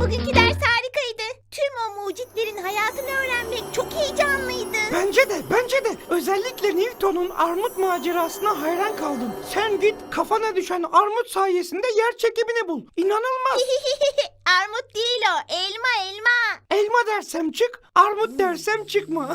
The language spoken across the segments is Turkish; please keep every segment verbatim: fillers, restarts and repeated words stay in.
Bugünkü ders harikaydı. Tüm o mucitlerin hayatını öğrenmek çok heyecanlıydı. Bence de, bence de. Özellikle Newton'un armut macerasına hayran kaldım. Sen git kafana düşen armut sayesinde yer çekimini bul. İnanılmaz. Armut değil o, elma elma. Elma dersem çık, armut dersem çıkma.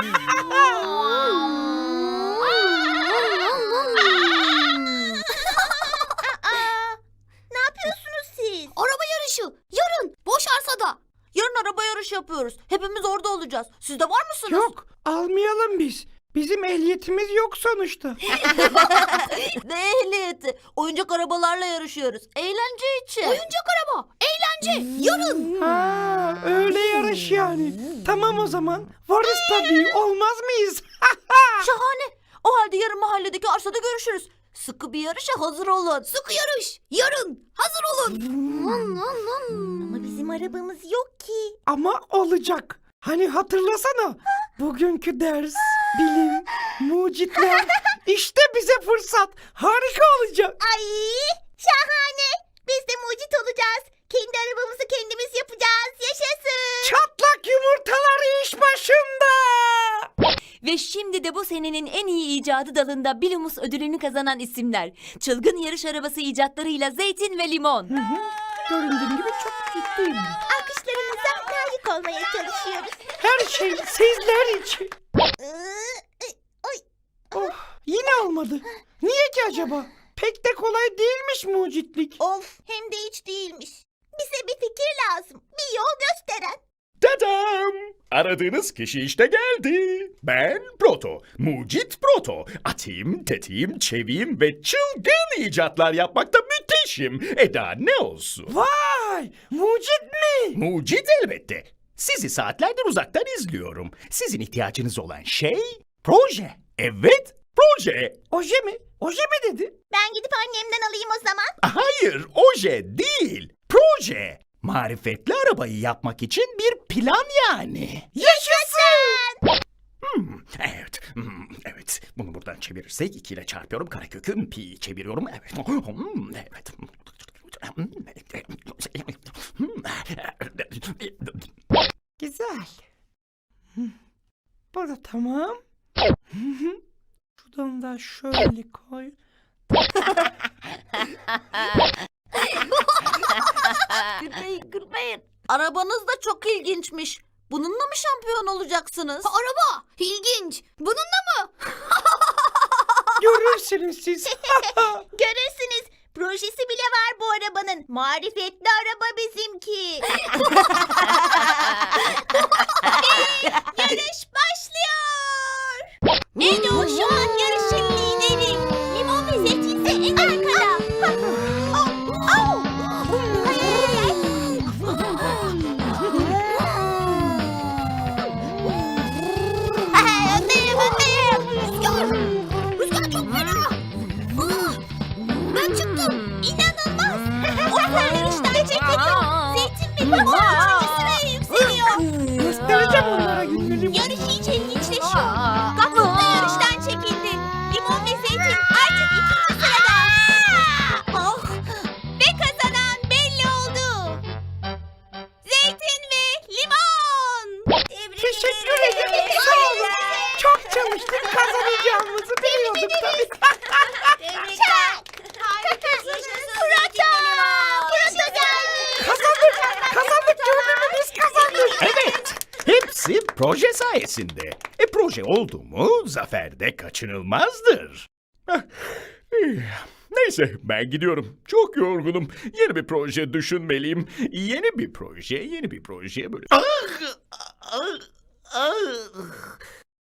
Aa, ne yapıyorsunuz siz? Araba yarışı. Yarın. Boş arsada. Yarın araba yarışı yapıyoruz. Hepimiz orada olacağız. Siz de var mısınız? Yok, almayalım biz. Bizim ehliyetimiz yok sonuçta. Ne ehliyeti? Oyuncak arabalarla yarışıyoruz. Eğlence için. Oyuncak araba. Eğlence. Yarın. Ha, öyle yarış yani. Tamam o zaman. Varız tabii, olmaz mıyız? Şahane. O halde yarın mahalledeki arsada görüşürüz. Sıkı bir yarışa hazır olun. Sıkı yarış. Yarın. Hazır olun. Ama bizim arabamız yok ki. Ama olacak. Hani hatırlasana. Bugünkü ders, bilim, mucitler. İşte bize fırsat. Harika olacak. Ay, şahane. Biz de mucit olacağız. Kendi arabamızı kendimiz yapacağız. Yaşasın. Çatlak yumurtalar iş başında. Ve şimdi de bu senenin en iyi icadı dalında Bilumus ödülünü kazanan isimler. Çılgın yarış arabası icatlarıyla Zeytin ve Limon. Hı hı. Göründüğüm gibi çok ciddiyim. Alkışlarınıza layık olmaya çalışıyoruz. Her şey sizler için. Iı, Oy. Oh, yine olmadı. Niye ki acaba? Pek de kolay değilmiş mucitlik. Of, hem de hiç değilmiş. Bize bir fikir lazım. Bir yol gösteren. Tadam! Aradığınız kişi işte geldi. Ben Proto, mucit Proto. Atayım, tetiğim, çeviyim ve çılgın icatlar yapmakta müthişim. Eda ne olsun? Vay, mucit mi? Mucit elbette. Sizi saatlerdir uzaktan izliyorum. Sizin ihtiyacınız olan şey proje. Evet, proje. Oje mi? Oje mi dedi? Ben gidip annemden alayım o zaman. Hayır, oje değil. Proje. Marifetli arabayı yapmak için bir plan yani. Yaşasın! Hmm, evet, hmm, evet. Bunu buradan çevirirsek iki ile çarpıyorum. Karekökü pi çeviriyorum. Evet. Hmm, evet. Güzel. Hı. Bu da tamam. Hı hı. Şuradan da şöyle koy. Gülmeyin gülmeyin. Arabanız da çok ilginçmiş. Bununla mı şampiyon olacaksınız? Araba ilginç. Bununla mı? Görürsünüz siz. Görürsünüz. Projesi bile var bu arabanın. Marifetli araba bizimki. Ve yarış başlıyor. Edo şu an yarışın lideri. Limon ve Zeytin ise en arkada. Oh, oh. Hay, hay, hay. Hay, öndeyim, öndeyim. Rüzgar. Rüzgar çok fena. Aa, ben çıktım. İnanılmaz. O sen yarıştan çekildi. Zeytin ve Limon üçüncü sıraya yükseliyor. Göstereceğim onlara günleri. Yarış iyice ilginçleşiyor. Gaffur da yarıştan çekildi. Limon ve Zeytin artık ikinci sırada. Oh. Ve kazanan belli oldu. Zeytin ve Limon. Tebrik Teşekkür ederim. Sağ olun. Çok çalıştık, kazanacağımızı biliyorduk tabii. Tebrikler. Harikasınız. Fırat'a. Fırat'a geldi. Kazandık. Kazandık. Gördün mü? Biz kazandık. Evet. Hepsi proje sayesinde. E proje oldu mu zafer de kaçınılmazdır. Heh, eh, Neyse ben gidiyorum. Çok yorgunum. Yeni bir proje düşünmeliyim. Yeni bir proje, yeni bir proje böyle. Ah, ah, ah.